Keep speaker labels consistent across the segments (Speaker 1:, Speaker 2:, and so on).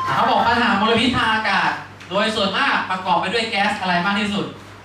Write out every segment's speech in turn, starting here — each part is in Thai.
Speaker 1: เขาบอกปัญหามลพิษทางอากาศโดยส่วนมากประกอบไปด้วยแก๊สอะไรมากที่สุด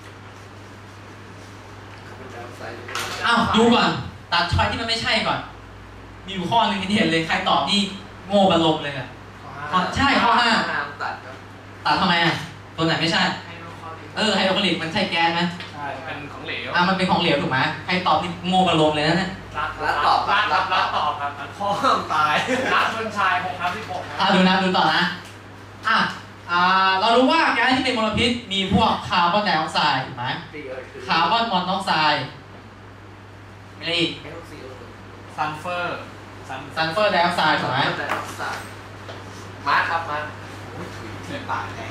Speaker 1: อ้าวดูก่อนตัดช้อยที่มันไม่ใช่ก่อนมีอยู่ข้อหนึ่งที่เห็นเลยใครตอบนี่โง่บรรลมเลยอ่ะใช่ข้อห้าตัดทำไมอ่ะตัวไหนไม่ใช่ไฮโดรคลอริกมันใช่แก๊สไหม
Speaker 2: ใช่เป็นของเหลว
Speaker 1: มันเป็นของเหลวถูกไหมใครตอบนี่โง่บรรลมเลยนะเนี่ย
Speaker 2: รัดตอบครับพ่อตายรัดชนชาย6/16
Speaker 1: ดูต่อนะเรารู้ว่าแก๊สที่เป็นมลพิษมีพวกคาร์บอนไดออกไซด์ถูกไหมคาร์บอนมอนอกไซด์อะไรอีก
Speaker 2: ซัลเฟอ
Speaker 1: ร์ไดออกไซด์ถูกไหม
Speaker 2: มาครับมาเสียปากแน่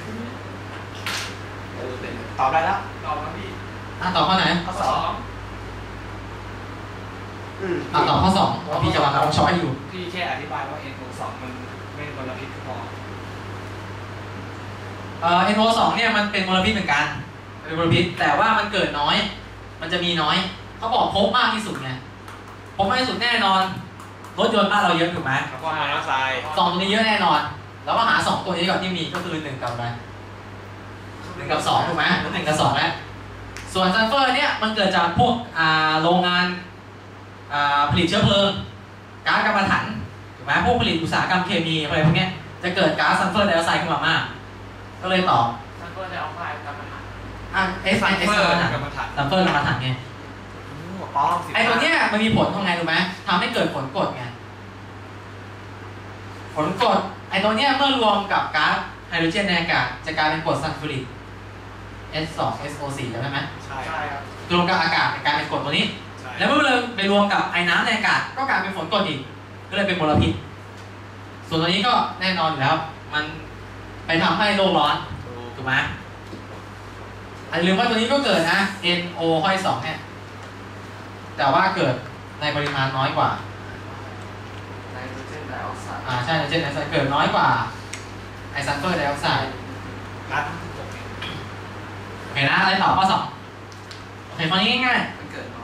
Speaker 2: ตอบได้แล้วตอบแล้วพี่
Speaker 1: ตอบข้อไหน
Speaker 2: ข้อ2
Speaker 1: ตอบข้อ2พี่จะวางช้อยอยู่
Speaker 2: พี่แค่อธิบายว่า NO2 มันไม่เป็นมลพิษพอ
Speaker 1: NO2 เนี่ยมันเป็นมลพิษเหมือนกันเป็นมลพิษแต่ว่ามันเกิดน้อยมันจะมีน้อยเขาบอกพบมากที่สุดไงพบมากที่สุดแน่นอนรถยนต์บ้านเราเยอะถูกไหม
Speaker 2: แล้วก็มอนอกไซด์
Speaker 1: 2ตัวนี้เยอะแน่นอนแล้วก็หา2ตัวนี้ก่อนที่มีก็คือ1กับอะไร1กับ2ถูกไหม1กับ2แล้วส่วนซัลเฟอร์เนี่ยมันเกิดจากพวกโรงงานผลิตเชื้อเพลิงก๊าซกัมมันถันถูกไหมพวกผลิตอุตสาหกรรมเคมีอะไรพวกนี้จะเกิดก๊าซซัลเฟอร์ไดออกไซด์ขึ้นมามากก็เลยตอบ
Speaker 2: ซัลเฟอร์ไดออกไซด์กัมมันถัน
Speaker 1: ซัลเฟอร์กัมมันถันไงไอตัวเนี้ยมันมีผลทำไงรู้ไหมทำให้เกิดผลกรดไงผลกรดไอตัวเนี้ยเมื่อรวมกับก๊าซไฮโดรเจนในอากาศจะกลายเป็นกรดซัลฟูริก H2SO4 ใช่ไหม
Speaker 2: ใช่ครับ
Speaker 1: รวมกับอากาศกลายเป็นกรดตัวนี้แล้วเมื่อเราไปรวมกับไอ้น้ำในอากาศก็กลายเป็นฝนกรดอีกก็เลยเป็นมลพิษส่วนตัวนี้ก็แน่นอนอยู่แล้วมันไปทำให้โลกร้อนถูกไหมอย่าลืมว่าตัวนี้ก็เกิดนะ NO ห้อย2เนี่ยแต่ว่าเกิดในปริมาณน้อยกว่า
Speaker 2: ไนโตรเจนไดออกไซด์
Speaker 1: ใช่ไนโตรเจนไดออกไซด์เกิดน้อยกว่าไอซัลเฟอร์ไดออกไซด์โอเคนะอะไรต่อข้อ2โอเคข้อนี้ง่าย
Speaker 2: ๆมันเกิด